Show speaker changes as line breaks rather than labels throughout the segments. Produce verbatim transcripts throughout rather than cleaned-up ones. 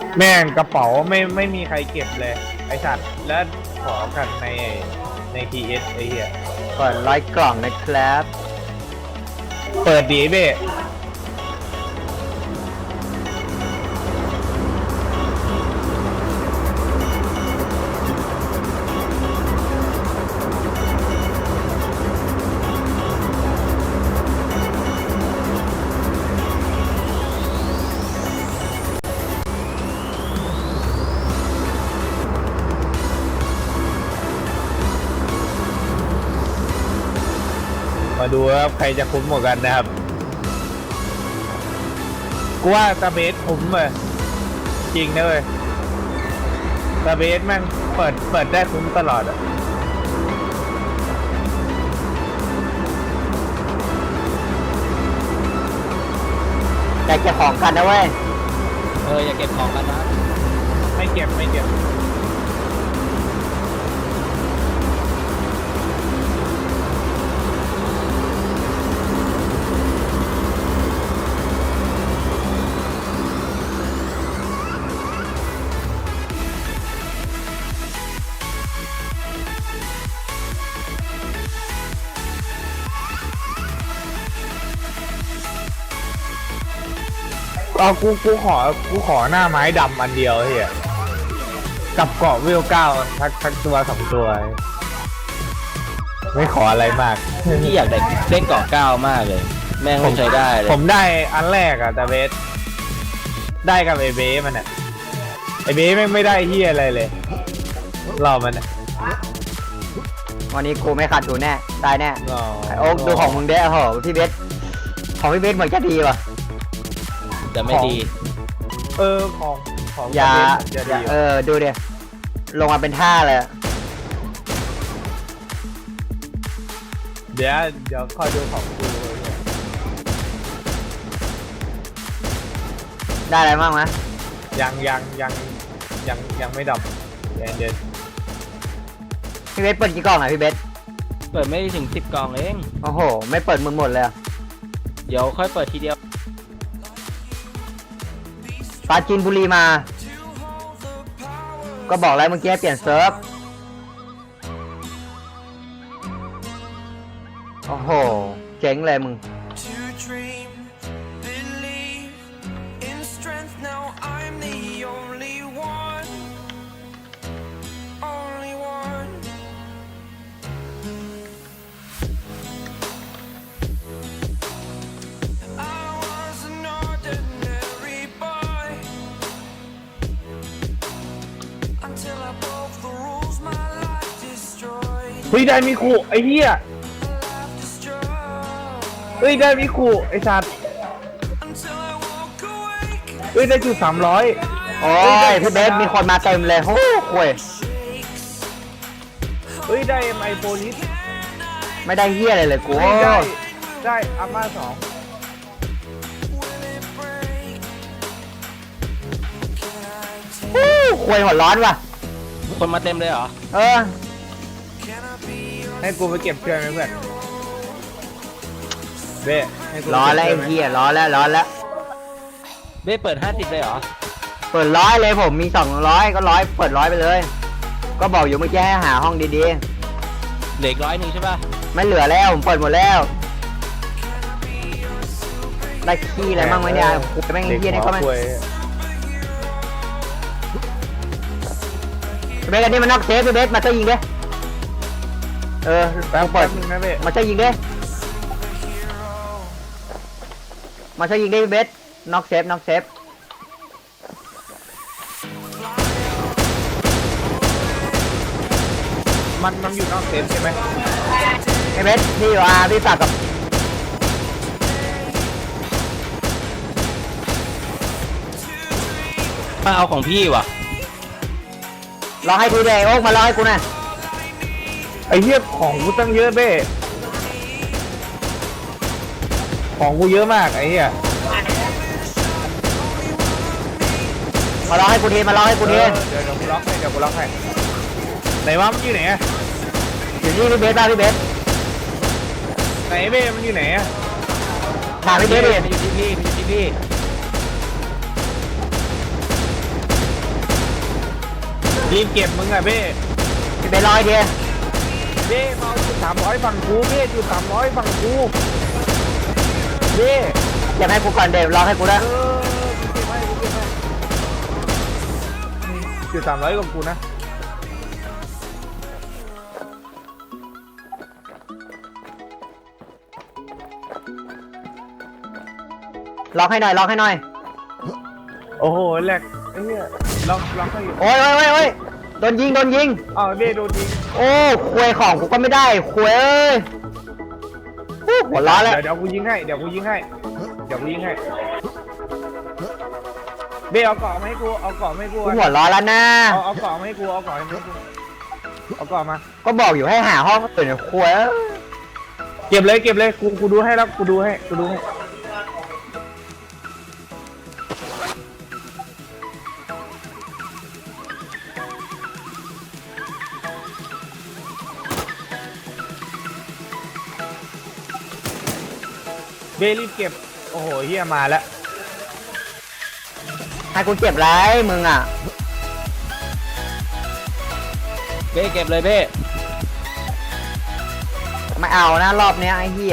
แม่งกระเป๋าไม่ไม่มีใครเก็บเลยไอสัตว์แล้วขอกันในใน ที เอส ไอเหี้ย
เปิดร้อยกล่องนะครับ
เปิดดีเบ้มาดูว่าใครจะคุ้มกว่ากันนะครับกูว่าตาเบสคุ้มเลยจริงนะเว้ยตาเบสแม่งเปิดเปิดได้คุ้มตลอดอะ
อยากเก็บของกันนะเว้ย
เอออย่าเก็บของกันนะ
ไม่เก็บไม่เก็บเอากูกูขอกูขอหน้าไม้ดำอันเดียวเฮียกับเกาะวิวเก้าทักทักตัวสองตัวไม่ขออะไรมาก
พี่อยากได้เล่นเกาะเก้ามากเลยแม่งไม่ใช้ได้เลย
ผมได้อันแรกอะแต่เบสได้กับไอเบสมันอะไอเบสไม่ไม่ได้เฮียอะไรเลยเรามันอะ
วันนี้กูไม่ขาดทุนแน่ได้แน่โอ๊กดูของมึงเด้อโหพี่เบสของพี่เบสเหมือนจะดีว่ะ
แต่ไม่ดี
เออของของ
อย่าอย่าเออดูเดี๋ยลงมาเป็นท่าเลย
เดี๋ยวเดี๋ยวคอยดูของกู
ได้อะไรบ้างมะ
ยังยังยังยังยังไม่ดับเดี๋ยวเดี๋ยว
พี่เบสเปิดกี่กล่องอ่ะพี่เบส
เปิดไม่ถึงสิบกล่องเอง
โอ้โหไม่เปิดมึงหมดเลย
เดี๋ยวค่อยเปิดทีเดียว
ปาจีนบุรีมาก็บอกแล้วเมื่อกี้เปลี่ยนเซิร์ฟโอ้โหเจ๋งเลยมึง
เฮ้ยได้มิคุไอ้เหี้ยเฮ้ยได้มิคุไอ้สัตว์เฮ้ยได้จุดสามร้อย
โอ้ยพี่เบสมีคนมาเต็มเลยโอ้โห
เฮ้ยได้ไอโฟนิส
ไม่ได้เหี้ยอะไรเลยกู
ได้ได้อาม่าสอง
ควยหัวร้อนว่ะ
คนมาเต็มเลยเหรอ
เออ
ให้กูไปเก็บเชือกไหมเพื่อนเบ้
ร้อนแล้วไอ้เหี้ยร้อนแล้วร้อนแล้ว
เบ้เปิดห้าสิบเลยเหรอ
เปิดร้อยเลยผมมีสองร้อยก็ร้อยเปิดร้อยไปเลยก็บอกอยู่เมื่อกี้ให้หาห้องดี
ๆเหลือร้อยหนึ่งใช่ป่ะ
ไม่เหลือแล้วผมเปิดหมดแล้วได้ขี้อะไรบ้างไหมเนี่ยกูแม่งเหี้ยนี่เขาไม่เบสอันนี้มันนอกเซฟเบสมาเตอร์ยิงดิเออแป๊บเปิด
มึงนะเบส
มาเตอร์ยิงดิมาเตอร์ยิงดิเบสนอกเซฟนอกเซฟ
มันมันอยู่นอกเซฟใช่ไหม
ไอ้เบสพี่อยู่อาร์พี่ฝากกับ
มาเอาของพี่ว่ะ
รอให้กูเดย์โอ๊กมารอให้กูนะ
ไอ้เหี้ยของกูตั้งเยอะเบ้ของกูเยอะมากไอ้เหี้ย
มารอให้กูทีมารอให้กูที
เดี๋ยวเดี๋ยวกูล็อกให้เดี๋ยวกูล็อกให้ไหนวะมันอยู่ไหน
อยู่นี่พี่เบสบ้าพี่เบส
ไหนเบ้มันอยู่ไหนอะ
ถามพี่เบสดิ
มันอยู่ที่พี่มันอยู่ที่พี่
รีบเก็บมึงอะเบ้
พี่เบสร้อยเดียว
เบ้มาเอาจุดสามร้อยฝั่งกูเบ้จุดสามร้อยฝั่งกูเบ้
อย่าให้กูก่อนเดี๋ยวรอให้กูนะ
เออกูเก็บให้กูเก็บให้จุดสามร้อยกับกูนะ
ล็อกให้หน่อยล็อกให้หน่อย
โอ้โหแหลกไอ้เหี้ยลองลองให้อยู่
โอ้ยโอ้ยโอ้ยโอ้ยโดนยิงโดนยิง
อ้าวเบ้โดนยิง
โอ้ควยของกูก็ไม่ได้ควยเอ้ยฮู้หัวร้อนแล้ว
เดี๋ยวเดี๋ยวกูยิงให้เดี๋ยวกูยิงให้เดี๋ยวกูยิงให้เบ้เอาเกาะมาให้กูเอาเกาะมาให้กู
กูหัวร้อนแล้วนะ
เอาเอาเกาะมาให้กูเอาเกาะมาให้กูเอาเกาะมา
ก็บอกอยู่ให้หาห้องตื่นควยเอ้ย
เก็บเลยเก็บเลยกูกูดูให้แล้วกูดูให้กูดูให้เบรีบเก็บโอ้โหเฮียมาแล้ว
ให้กูเจ็บไรมึงอ่ะ
เบ้เก็บเลยเบ้
ไม่เอานะรอบเนี้ยไอ้เหี้ย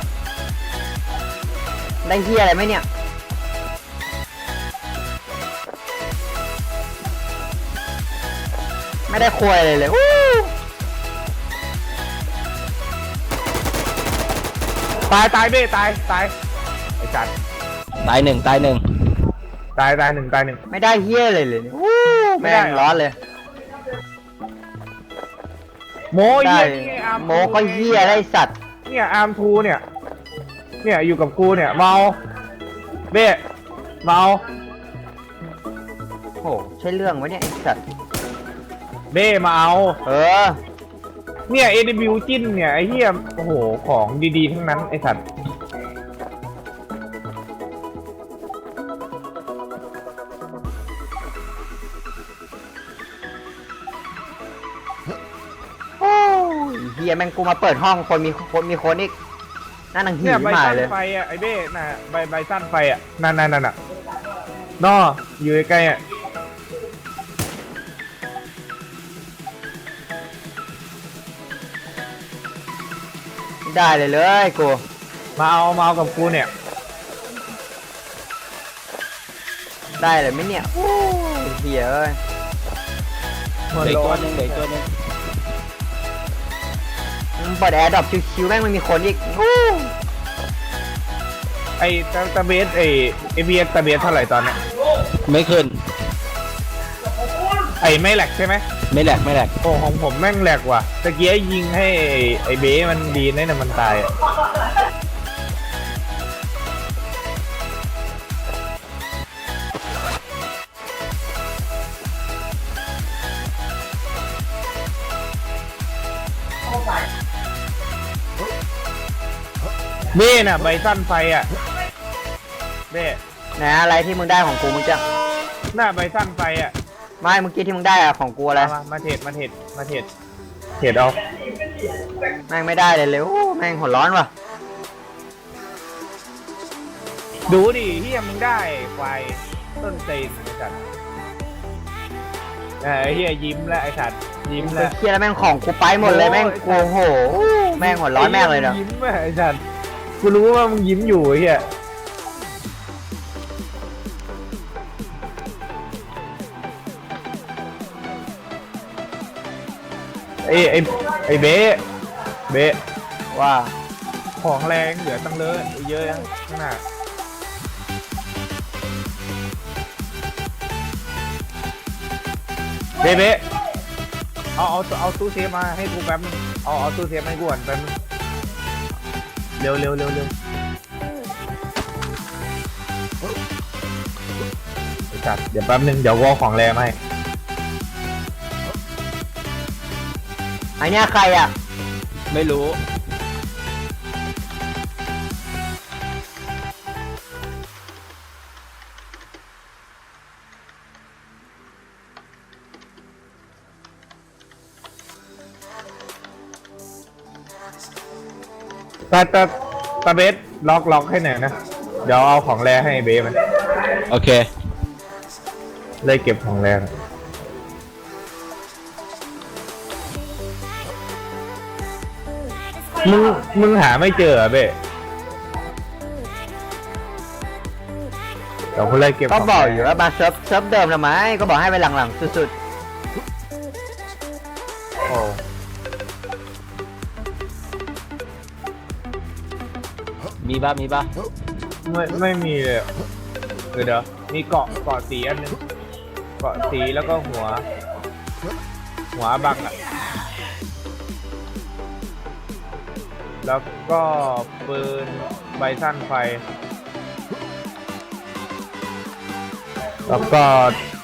ได้เหี้ยอะไรไหมเนี่ยไม่ได้ควยเลยเลยวู้
ตายตายเบ้ตายตายไอ้จัด
ตายหนึ่งตายหนึ่ง
ตายตายหนึ่งตายหนึ่ง
ไม่ได้เหี้ยเลยเลยวู้
ไม่ได้
แม่งร้อนเลย
โม
ได้
เฮียนี่อาร์
โมก็เหี้ยได้สัตว์
เนี่ยอาร์มทูเนี่ยเนี่ยอยู่กับกูเนี่ยเมาเบ้เมา
โอ้ใช่เรื่องวะเนี่ยไอ้สัตว์
เบ้มาเอา
เออ
เนี่ย เอ ดับเบิลยู จิ้นเนี่ยไอ้เหี้ยโอ้โหของดีๆทั้งนั้นไอ้สัตว์
โอ้ยเหี้ยแม่งกูมาเปิดห้องคนมีคนมีคนอีกน่าหนังหี
เนี่ยใบ
มา
สั้น
เลย
ไฟอ่ะไอ้เบ้น่ะใบใบสั้นไฟอ่ะนั่นนั่นนั่นอ่ะนออยู่ใกล้ๆอ่ะ
ได้เลยเลยกู
มาเอามาเอากับกูเนี่ย
ได้เลยไหมเนี่ยโอ้ยเหี้ยเอ้ย
เหลืออกตัวหนึงเหลืออกตัวหนึง
มึงเปิดแอร์ดรอปชิวๆแม่งไม่มีคนอีกโอ้
ไอ้ตาตาเบสไอ้เอพีเอสตาเบสเท่าไหร่ตอนเนี้ย
ไม่ขึ้น
ไอ้ไม่แหลกใช่ไหม
ไม่แหลกไม่แหลก
โอ้ของผมแม่งแหลกว่ะตะเกียยิงให้ไอ้ไอ้เบ้มันดีนะเนี่ยมันตายอะเบ้น่ะใบสั้นไฟอ่ะเบ้
นะอะไรที่มึงได้ของกูมึงจะ
หน้าใบสั้นไฟอ่ะ
ไม่เมื่อกี้ที่มึงได้อะของกูอะไร
มามามาเทรดมาเทรดมาเทรดเทรดเอา
แม่งไม่ได้เลยเลยโอ้แม่งหัวร้อนว่ะ
ดูดิเฮียมึงได้ไฟต้นตีนไอ้สัตว์เออไอ้เฮียยิ้มแล้วไอ้สัตว์ยิ้ม
ไอ้
แล้ว
เหี้ยแล้วแม่งของกูไปหมดเลยแม่งกูโอ้โหแม่งหัวร้อนแม่งเลยเนาะ
ยิ้มอะไอ้สัตว์กูรู้ว่ามึงยิ้มอยู่ไอ้เฮียไอ้ไอ้ไอ้เบ๊เบ๊
ว่า
ของแรงเหลือตั้งเลอะเยอะยังขนาดเบ๊เบ๊เอาเอาเอาตู้เซฟมาให้กูแป๊บนึงเอาเอาตู้เซฟให้กูก่อนแป๊บนึงเร็วเร็วเร็วเร็วไอ้สัตว์เดี๋ยวแป๊บนึงเดี๋ยวกูเอาของแรงมาให้
ไอเนี้ยใครอ่ะ
ไม่รู้
ตาตาตาเบสล็อกล็อกให้หน่อยนะเดี๋ยวเอาของแรงให้เบสมัน
โอเค
เลยเก็บของแรงมึงมึงหาไม่เจอเหรอเบ้เดี๋ยวคุณเลยเก็บ
ก็
ขง
บอกอยู่ว่ามาเซิร์ฟเซิร์ฟเดิมทำไมก็บอกให้ไปหลังๆสุด
โอ้
มีป่ะมีป่ะ
ไม่ไม่มีเลยอะเดี๋ยวเดี๋ยวมีเกาะเกาะสีอันนึงเกาะสีแล้วก็หัว หัวบังอ่ะแล้วก็ปืนใบสั้นไฟ แล้วก็